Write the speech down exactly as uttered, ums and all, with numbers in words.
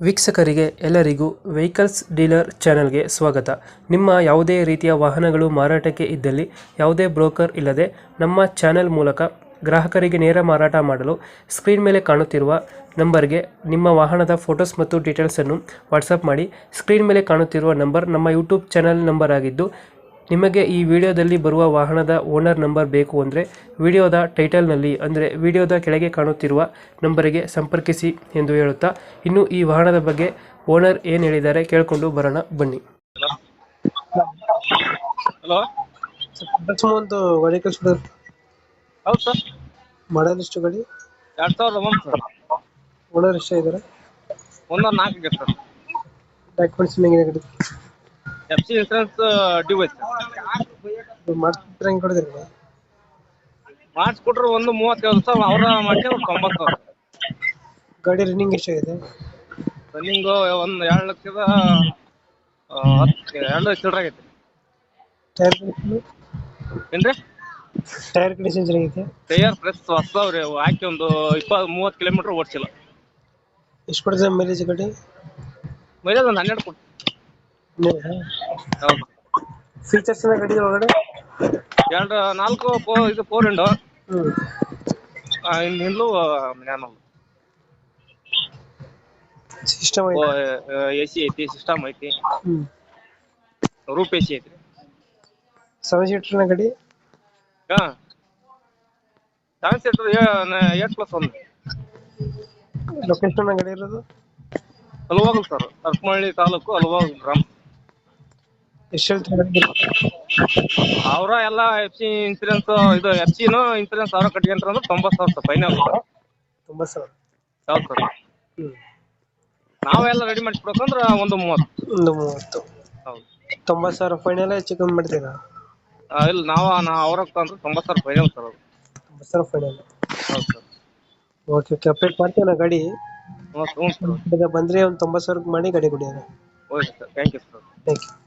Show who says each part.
Speaker 1: ವೀಕ್ಷಕರಿಗೆ ಎಲ್ಲರಿಗೂ vehicles dealer ಚಾನೆಲ್ಗೆ ಸ್ವಾಗತ. ನಿಮ್ಮ ಯಾವುದೇ ರೀತಿಯ ವಾಹನಗಳು ಮಾರಾಟಕ್ಕೆ ಇದ್ದಲ್ಲಿ ಯಾವುದೇ ಬ್ರೋಕರ್ ಇಲ್ಲದೆ ನಮ್ಮ ಚಾನೆಲ್ ಮೂಲಕ ಗ್ರಾಹಕರಿಗೆ ನೇರ ಮಾರಾಟ ಮಾಡಲು ಸ್ಕ್ರೀನ್ ಮೇಲೆ ಕಾಣುತ್ತಿರುವ ನಂಬರ್ಗೆ ನಿಮ್ಮ ವಾಹನದ ಫೋಟೋಸ್ ಮತ್ತು ಡೀಟೇಲ್ಸನ್ನು ವಾಟ್ಸಪ್ ಮಾಡಿ. ಸ್ಕ್ರೀನ್ ಮೇಲೆ ಕಾಣುತ್ತಿರುವ ನಂಬರ್ ನಮ್ಮ ಯೂಟ್ಯೂಬ್ ಚಾನೆಲ್ ನಂಬರ್ ಆಗಿದ್ದು, ನಿಮಗೆ ಈ ವಿಡಿಯೋದಲ್ಲಿ ಬರುವ ವಾಹನದ ಓನರ್ ನಂಬರ್ ಬೇಕು ಅಂದರೆ ವಿಡಿಯೋದ ಟೈಟಲ್ನಲ್ಲಿ ಅಂದರೆ ವಿಡಿಯೋದ ಕೆಳಗೆ ಕಾಣುತ್ತಿರುವ ನಂಬರಿಗೆ ಸಂಪರ್ಕಿಸಿ ಎಂದು ಹೇಳುತ್ತಾ, ಇನ್ನು ಈ ವಾಹನದ ಬಗ್ಗೆ ಓನರ್ ಏನು ಹೇಳಿದ್ದಾರೆ ಕೇಳಿಕೊಂಡು ಬರೋಣ ಬನ್ನಿ.
Speaker 2: ಹಲೋ
Speaker 1: ಒಂದು ಗಾಡಿ ಕಳಿಸ್ಬಿಡೋದು.
Speaker 2: ಹೌದು ಸರ್,
Speaker 1: ಮಾಡಲ್ ಎಷ್ಟು ಗಾಡಿ?
Speaker 2: ಎರಡ್ ಸಾವಿರದ ಒಂದು ಸರ್.
Speaker 1: ಓನರ್ ಎಷ್ಟ ಇದ್ದಾರೆ?
Speaker 2: ಒಂದೊಂದು ನಾಲ್ಕು ಇದೆ ಸರ್.
Speaker 1: ಡಾಕ್ಯುಮೆಂಟ್ಸ್ ಹೆಂಗಿದೆ ಗಾಡಿ?
Speaker 2: ಎಫ್ ಸಿ ಇನ್ಸೂರೆನ್ಸ್ ಡ್ಯೂ ಐತೆ ಸರ್.
Speaker 1: ಮಾಡ್ತಿದ್ರೆ ಹೆಂಗೆ ಕೊಡಿದ್ರಿ?
Speaker 2: ಮಾಡಿಸ್ಕೊಟ್ರೆ ಒಂದು ಮೂವತ್ತೇಳು ಸರ್, ಅವರ ಮಾಡಿ ಅವ್ರು ತೊಂಬತ್ತು ಸಾವಿರ.
Speaker 1: ಗಾಡಿ ರನ್ನಿಂಗ್ ಎಷ್ಟಾಗಿದೆ?
Speaker 2: ರನ್ನಿಂಗು ಒಂದು ಎರಡು ಲಕ್ಷದ ಆ, ಹತ್ತು ಎರಡು ಲಕ್ಷ ಚಿಲ್ಲರೆ ಆಗೈತೆ.
Speaker 1: ಟೈರ್
Speaker 2: ಏನ್ರಿ?
Speaker 1: ಟೈರ್ ಕಂಡೀಷನ್ ಚೆನ್ನಾಗಿದೆ?
Speaker 2: ಟೈಯರ್ ಪ್ರೆಸ್ ಹೊಸದವ್ರಿ, ಹಾಕಿ ಒಂದು ಇಪ್ಪತ್ತು ಮೂವತ್ತು ಕಿಲೋಮೀಟರ್ ಓಡಿಸಿಲ್ಲ.
Speaker 1: ಎಷ್ಟು ಕೊಡ್ತದೆ ಮೈಲೇಜ್ ಗಾಡಿ?
Speaker 2: ಮೈಲೇಜ್ ಒಂದು ಹನ್ನೆರಡು ಕೊಟ್ಟು. ಹೌದು.
Speaker 1: ಫೀಚರ್ಸ್ ಗಾಡಿ ಒಳಗಡೆ
Speaker 2: ಎರಡು ನಾಲ್ಕು ಫೋ ಇದು ಫೋರ್ ವಿಂಡೋ,
Speaker 1: ಹ್ಞೂ
Speaker 2: ಹಿಂದ್ಲು ಮ್ಯಾನಲ್
Speaker 1: ಸಿಸ್ಟಮ್
Speaker 2: ಎ ಸಿ ಐತಿ, ಸಿಸ್ಟಮ್ ಐತಿ,
Speaker 1: ಹ್ಞೂ
Speaker 2: ರೂಪ್ ಎ ಸಿ ಐತಿ.
Speaker 1: ಸೆವೆನ್ ಸೀಟರ್ನ ಗಾಡಿ?
Speaker 2: ಹಾಂ, ಸೆವೆನ್ ಸೀಟರ್ ಏಟ್ ಪ್ಲಸ್ ಒಂದು.
Speaker 1: ಲೊಕೇಶನ್ ಗಾಡಿ ಇರೋದು
Speaker 2: ಹಲವಾಗಲ್ ಸರ್, ಅರಪನಹಳ್ಳಿ ತಾಲೂಕು ಹಲವಾಗಲ್ ಗ್ರಾಮ.
Speaker 1: ಎಷ್ಟು ಹೇಳ್ತಾರೆ?
Speaker 2: ಅವರ ಎಲ್ಲ ಎಫ್ ಸಿ ಇನ್ಸೂರೆನ್ಸ್ ಇದು ಎಫ್ ಸಿನು ಇನ್ಸೂರೆನ್ಸ್ ಅವರ ಕಟ್ಕೊಂಡ್ರೆ ಅಂದ್ರೆ ತೊಂಬತ್ತು ಸಾವಿರ ಸರ್ ಫೈನಲ್.
Speaker 1: ತೊಂಬತ್ತು ಸಾವಿರ?
Speaker 2: ಹೌದು ಸರ್.
Speaker 1: ಹ್ಞೂ
Speaker 2: ನಾವೆಲ್ಲ ರೆಡಿ ಮಾಡಿಸ್ಬೇಕಂದ್ರೆ ಒಂದು ಮೂವತ್ತು.
Speaker 1: ಒಂದು ಮೂವತ್ತು.
Speaker 2: ಹೌದು.
Speaker 1: ತೊಂಬತ್ತು ಸಾವಿರ ಫೈನಲ್ ಹೆಚ್ಚು ಕಮ್ಮಿ ಮಾಡ್ತೀರಾ?
Speaker 2: ಆ, ಇಲ್ಲ ನಾವು ನಾ ಅವ್ರಕ್ಕೆ ಅಂದ್ರೆ ತೊಂಬತ್ತು ಸಾವಿರ ಫೈನಲ್ ಸರ್ ಅದು.
Speaker 1: ತೊಂಬತ್ತು ಸಾವಿರ ಫೈನಲ್.
Speaker 2: ಹೌದು ಸರ್.
Speaker 1: ಓಕೆ ಓಕೆ, ಅಪ್ಡೇಟ್ ಮಾಡ್ತೀವಿ ನಾ ಗಾಡಿ.
Speaker 2: ಹ್ಞೂ ಹ್ಞೂ ಸರ್.
Speaker 1: ಈಗ ಬಂದರೆ ಒಂದು ತೊಂಬತ್ತು ಸಾವಿರಕ್ಕೆ ಮಾಡಿ ಗಾಡಿ ಕೊಡಿ.
Speaker 2: Okay sir, thank you sir.
Speaker 1: Thank you.